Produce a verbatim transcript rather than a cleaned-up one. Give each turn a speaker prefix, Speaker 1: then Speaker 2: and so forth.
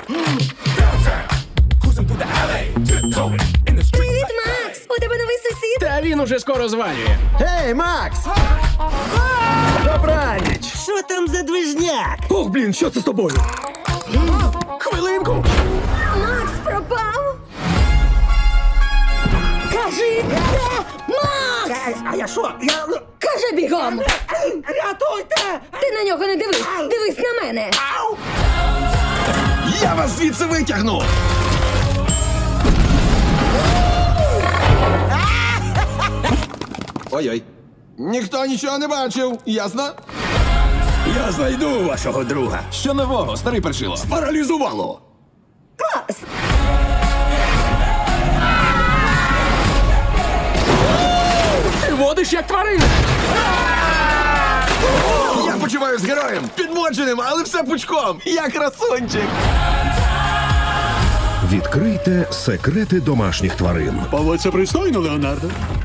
Speaker 1: Привіт, Макс! У тебе новий сусід?
Speaker 2: Та він уже скоро звалює.
Speaker 3: Гей, Макс! Добраніч!
Speaker 4: Що там за движняк?
Speaker 3: Ох, блін, що це з тобою? Хвилинку!
Speaker 1: Макс пропав! Кажи, де Макс?
Speaker 4: А я що? Я...
Speaker 1: Кажи бігом!
Speaker 4: Рятуйте!
Speaker 1: Ти на нього не дивись! Дивись на мене!
Speaker 3: Я вас звідси витягну! Ой-ой. Ніхто нічого не бачив, ясно?
Speaker 5: Я знайду вашого друга.
Speaker 3: Що нового, старий першило?
Speaker 5: Паралізувало.
Speaker 1: Клас!
Speaker 2: Ти водиш як тварина!
Speaker 3: Я почуваю з героєм, підмоченим, але все пучком. Я красунчик.
Speaker 6: Відкрийте секрети домашніх тварин.
Speaker 5: Поводься пристойно, Леонардо.